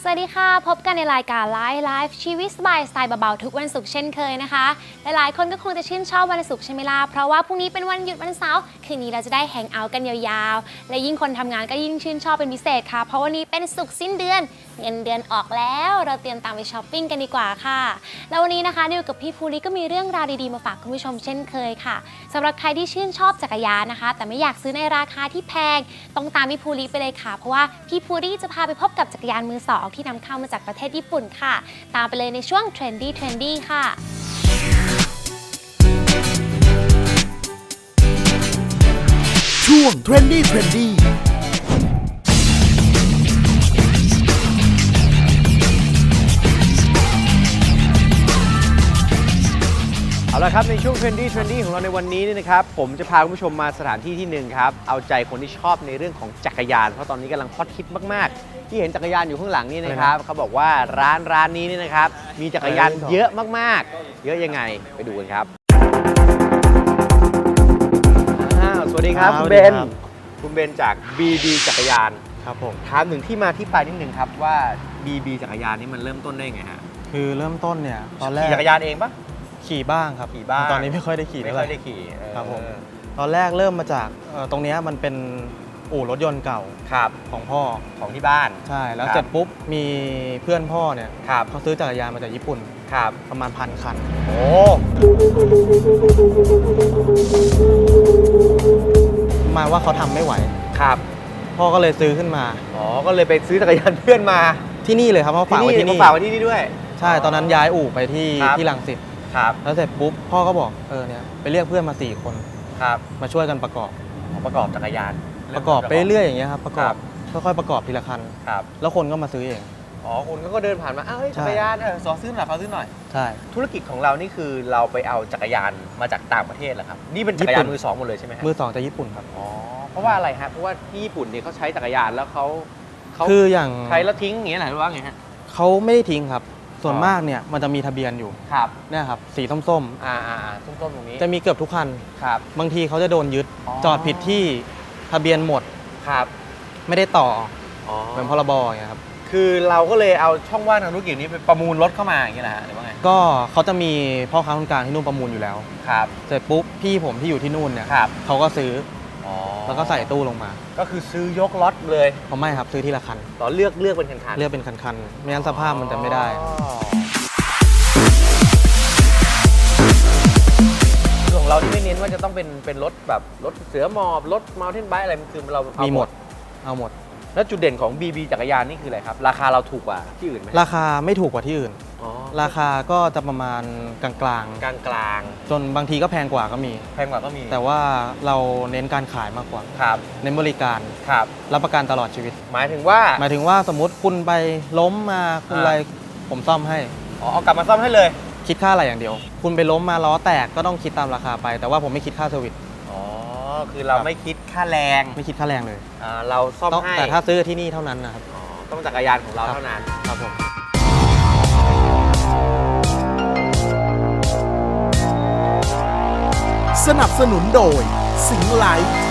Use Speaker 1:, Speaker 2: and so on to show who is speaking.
Speaker 1: สวัสดีค่ะพบกันในรายการไลฟ์ชีวิตสบายสไตล์เบาๆทุกวันศุกร์เช่นเคยนะคะหลายๆคนก็คงจะชื่นชอบวันศุกร์ใช่ไหมล่ะเพราะว่าพรุ่งนี้เป็นวันหยุดวันเสาร์คืนนี้เราจะได้แฮงเอาท์กันยาวๆและยิ่งคนทำงานก็ยิ่งชื่นชอบเป็นพิเศษค่ะเพราะวันนี้เป็นศุกร์สิ้นเดือนเงินเดือนออกแล้วเราเตรียมตามไปช้อปปิ้งกันดีกว่าค่ะแล้ววันนี้นะคะนิวกับพี่ภูริก็มีเรื่องราวดีๆมาฝากคุณผู้ชมเช่นเคยค่ะสำหรับใครที่ชื่นชอบจักรยานนะคะแต่ไม่อยากซื้อในราคาที่แพงต้องตามพี่ภูริไปเลยค่ะเพราะว่าพี่ภูริจะพาไปพบกับจักรยานมือสองที่นำเข้ามาจากประเทศญี่ปุ่นค่ะตามไปเลยในช่วง Trendy ค่ะ
Speaker 2: ช่วง Trendy
Speaker 3: เอาละครับในช่วง Trendy ของเราในวันนี้นี่นะครับผมจะพาคุณผู้ชมมาสถานที่ที่หนึ่งครับเอาใจคนที่ชอบในเรื่องของจักรยานเพราะตอนนี้กำลังฮอตฮิตมากๆที่เห็นจักรยานอยู่ข้างหลังนี่นะครับเขาบอกว่าร้านนี้นี่นะครับมีจักรยานเยอะมากๆเยอะยังไงไปดูกันครับสวัสดีครับคุณเบนจาก BB จักรยาน
Speaker 4: ครับผม
Speaker 3: ถามถึงที่มาที่ไปนิดนึงครับว่า BB จักรยานนี่มันเริ่มต้นได้ไงฮะ
Speaker 4: คือเริ่มต้นเนี่ยตอนแรก
Speaker 3: ขี่จักรยานเองปะ
Speaker 4: ขี่บ้างครับ
Speaker 3: ขี่บ้าง
Speaker 4: ตอนนี้ไม่ค่อยได้ขี่เท่าไหร่
Speaker 3: ไม่ค่อยได้ขี่
Speaker 4: ครับผมตอนแรกเริ่มมาจากตรงนี้มันเป็นอู่รถยนต์เก่า
Speaker 3: ครับ
Speaker 4: ของพ่อ
Speaker 3: ของที่บ้าน
Speaker 4: ใช่แล้วเสร็จปุ๊บมีเพื่อนพ่อเนี่ยเขาซื้อจักรยานมาจากญี่ปุ่น
Speaker 3: ครับ
Speaker 4: ประมาณ1,000 คัน
Speaker 3: โอ้
Speaker 4: มาว่าเขาทำไม่ไหว
Speaker 3: ครับ
Speaker 4: พ่อก็เลยซื้อขึ้นมา
Speaker 3: อ๋อก็เลยไปซื้อจักรยานเพื่อนมา
Speaker 4: ที่นี่เลยครับเขาฝากไว้ที่นี่
Speaker 3: ฝากไว้ที่นี่ด้วย
Speaker 4: ใช่ตอนนั้นย้ายอู่ไปที่รังสิตแล้วเสร็จปุ๊บพ่อก็บอกเนี่ยไปเรียกเพื่อนมา4 คน
Speaker 3: ครับ
Speaker 4: มาช่วยกันประกอบ
Speaker 3: จักรยาน
Speaker 4: ประกอบไปเรื่อยอย่างเงี้ยครับประกอบค่อยๆประกอบทีละคัน
Speaker 3: ครับ
Speaker 4: แล้วคนก็มาซื้อเอง
Speaker 3: อ๋อคนก็เดินผ่านมาอ้าวจักรยานขอซื้อหน่อย
Speaker 4: ใช่
Speaker 3: ธุรกิจของเรานี่คือเราไปเอาจักรยานมาจากต่างประเทศเหรอครับนี่เป็นจักรยานมือสองหมดเลยใช่ไหม
Speaker 4: มือสองจากญี่ปุ่นครับ
Speaker 3: อ๋อเพราะว่าอะไรครับเพราะว่าที่ญี่ปุ่นเนี่ยเขาใช้จักรยานแล้วเขา
Speaker 4: คืออย่าง
Speaker 3: ใช้แล้วทิ้งอย่างเงี้ยหรือว่าไงฮะ
Speaker 4: เขาไม่ได้ทิ้งครับส่วนมากเนี่ยมันจะมีทะเบียนอยู่
Speaker 3: ครับ
Speaker 4: เนี่ยครับสีส้ม
Speaker 3: ส้มตรงนี้
Speaker 4: จะมีเกือบทุกคัน
Speaker 3: ครับ
Speaker 4: บางทีเขาจะโดนยึดจอดผิดที่ทะเบียนหมด
Speaker 3: ครับ
Speaker 4: ไม่ได้ต่อเหมือนพรบอย่างเงี้ยครับ
Speaker 3: คือเราก็เลยเอาช่องว่างทางธุรกิจนี้ไปประมูลรถเข้ามาอย่างเงี้ยนะฮะหรือว่าไง
Speaker 4: ก็เขาจะมีพ่อค้าคนกลางที่นู่นประมูลอยู่แล้ว
Speaker 3: ครับ
Speaker 4: เสร็จปุ๊บพี่ผมที่อยู่ที่นู่นเนี่ยเขาก็ซื้อแล้วก็ใส่ตู้ลงมา
Speaker 3: ก็คือซื้อยกล็อตเลย
Speaker 4: ไม่ครับซื้อทีละคัน
Speaker 3: ต่อเลือกเป็นคัน
Speaker 4: เลือกเป็นคันไม่งั้นสภาพมันจะไม่ได้
Speaker 3: ของเราที่ไม่เน้นว่าจะต้องเป็นรถแบบรถเสือหมอบรถเมาน์เทนไบค์อะไรมันคือเรา
Speaker 4: มีหมดเอาหมด
Speaker 3: แล้วจุดเด่นของ BB จักรยานนี่คืออะไรครับราคาเราถูกกว่าที่อื่นไหม
Speaker 4: ราคาไม่ถูกกว่าที่อื่นราคาก็จะประมาณกลางจนบางทีก็แพงกว่าก็มีแต่ว่าเราเน้นการขายมากกว่า
Speaker 3: ครับ
Speaker 4: เน้นบริการ
Speaker 3: ครับ
Speaker 4: รับประกันตลอดชีวิต
Speaker 3: หมายถึงว่า
Speaker 4: สมมติคุณไปล้มมาคุณอะไรผมซ่อมให้
Speaker 3: เอากลับมาซ่อมให้เลย
Speaker 4: คิดค่าอะไรอย่างเดียวคุณไปล้มมาล้อแตกก็ต้องคิดตามราคาไปแต่ว่าผมไม่คิดค่าเซอร์วิส
Speaker 3: คือเราไม่คิดค่าแรง
Speaker 4: เลย
Speaker 3: เราซ่อมให้
Speaker 4: แต่ถ้าซื้อที่นี่เท่านั้นนะครับ
Speaker 3: ต้องจักรยานของเราเท่านั้น
Speaker 4: ครับผม
Speaker 2: สนับสนุนโดยสิงห์ไลฟ์